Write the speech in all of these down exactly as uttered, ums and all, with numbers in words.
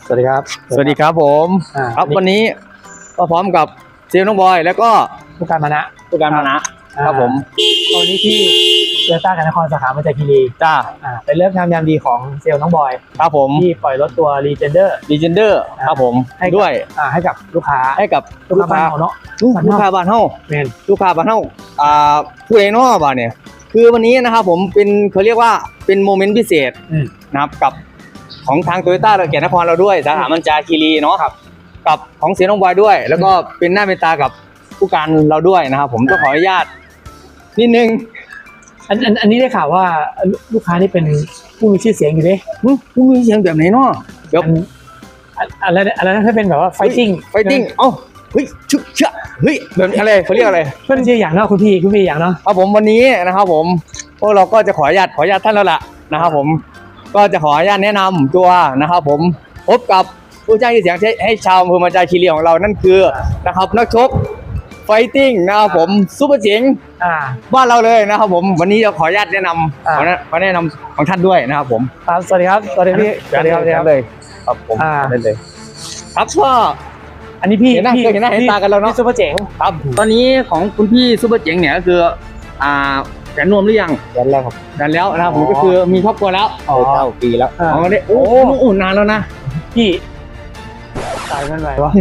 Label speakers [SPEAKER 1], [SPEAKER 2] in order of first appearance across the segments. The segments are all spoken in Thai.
[SPEAKER 1] สวัสดีครับ
[SPEAKER 2] สวัสดีครับผมครับวันนี้ก็พร้อมกับเซลล์น้องบอยแล้วก็
[SPEAKER 1] ผู้การมานะ
[SPEAKER 2] ผู้การมานะครับผม
[SPEAKER 1] วันนี้ที่โตโยต้ากันนครสาขามาจากคีรี
[SPEAKER 2] จ้า
[SPEAKER 1] เป็นเรื่องงามยามดีของเซลล์น้องบอย
[SPEAKER 2] ครับผม
[SPEAKER 1] ที่ปล่อยรถตัว Legender
[SPEAKER 2] Legender ครับผมด้วย
[SPEAKER 1] ให้กับลูกค้า
[SPEAKER 2] ให้กับ
[SPEAKER 1] ลูกค้าบ้านเฮาเนาะ
[SPEAKER 2] ลูกค้าบ้านเฮา
[SPEAKER 1] แม่น
[SPEAKER 2] ลูกค้าบ้านเฮาอ่าผู้เองเนาะบ้านเนี่ยคือวันนี้นะครับผมเป็นเขาเรียกว่าเป็นโมเมนต์พิเศษนะครับกับของทางโตโยต้าเราแก่นครเราด้วยสาขามันจาคีรีเนาะกับของเสียน้องบอยด้วยแล้วก็เป็นหน้าเป็นตากับผู้การเราด้วยนะครับผมต้องขออนุญาตนิดนึง
[SPEAKER 1] อันอันอันนี้ได้ข่าวว่าลูกค้านี่เป็นผู้มีชื่อเสียงอยู่ดิ
[SPEAKER 2] ผู้มีเสียงแบบไหนเนาะ
[SPEAKER 1] เดี๋ยวอะไรอะไรนั่นถ้าเป็นแบบว่าไฟติ้ง
[SPEAKER 2] ไฟติ้งเอ้าเฮ้ยชุบเชื่อเฮ้ยแบบอะไรเขาเรียกอะไร
[SPEAKER 1] เพื่อนชื่ออย่างเนาะคุณพี่คุณพี่อย่างเนาะ
[SPEAKER 2] ครับผมวันนี้นะครับผมพวกเราก็จะขออนุญาตขออนุญาตท่านแล้วล่ะนะครับผมก็จะขออนุญาตแนะนำตัวนะครับผมพบกับผู้จ้างที่เสียงให้ชาวอำเภอมันจาคีรีของเรานั่นคือนะครับนักชกไฟติ้งนะครับผมซุปเปอร์เจ๋งบ้านเราเลยนะครับผมวันนี้จะขออนุญาตแนะนำขอขอแนะนำของท่านด้วยนะครับผม
[SPEAKER 1] ครับสวัสดีครับสวัสดีพี่
[SPEAKER 2] สวัสดีครับเลยครับผมได้เลยครับก็
[SPEAKER 1] อันนี้พี่
[SPEAKER 2] เห็นหน้าเห็นหน้าเห็นตากันแล้วเนาะ
[SPEAKER 1] ซุปเปอร์เจ๋ง
[SPEAKER 2] ครับตอนนี้ของคุณพี่ซุปเปอร์เจ๋งเนี่ยก็คืออ่าแฟนนวมหรือยัง
[SPEAKER 1] แฟนแล้วครับ
[SPEAKER 2] แฟนแล้วนะครับผมก็คือมีครอบครัวแล้ว
[SPEAKER 1] อ๋อเก้าปีแล้ว
[SPEAKER 2] อ๋อเนี่ยโอ้โหนานแล้วนะ
[SPEAKER 1] พี่ตายเมื่อไหร่วะ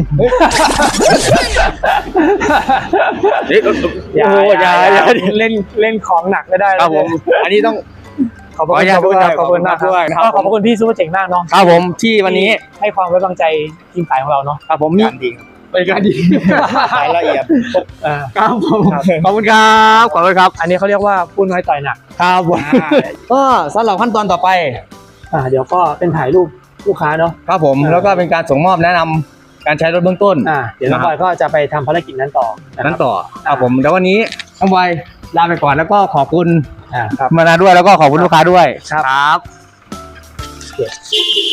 [SPEAKER 1] อย่าอย่าอย่าเล่นเล่นของหนักไม่ได้
[SPEAKER 2] ครับผมอันนี้ต้อง
[SPEAKER 1] ขอบคุณขอบคุณขอบคุณมากด้วยนะครับขอบคุณพี่ซุปเปอร์เจ๋งมากเนาะ
[SPEAKER 2] ครับผมที่วันนี้
[SPEAKER 1] ให้ความไว้วางใจทีมขายของเราเนาะ
[SPEAKER 2] ครับผม
[SPEAKER 1] การดีเป็นการดี
[SPEAKER 2] รายละเอียด
[SPEAKER 1] ครับผม
[SPEAKER 2] ขอบคุณครับขอบคุณครับ
[SPEAKER 1] อันนี้เขาเรียกว่าพูดน้อยต่อยหนัก
[SPEAKER 2] ครับผมก็สำหรับขั้นตอนต่อไป
[SPEAKER 1] อ่าเดี๋ยวก็เป็นถ่ายรูปลูกค้าเนาะ
[SPEAKER 2] ครับผมแล้วก็เป็นการส่งมอบแนะนำการใช้รถเบื้องต้น
[SPEAKER 1] อ่าเดี๋ยวน้องบอยก็จะไปทำภารกิจนั้นต่อ
[SPEAKER 2] นั้นต่อครับผมแล้ววันนี้น้องบอยลาไปก่อนแล้วก็ขอบคุณ
[SPEAKER 1] อ่าครับ
[SPEAKER 2] มานาด้วยแล้วก็ขอบคุณลูกค้าด้วยครับ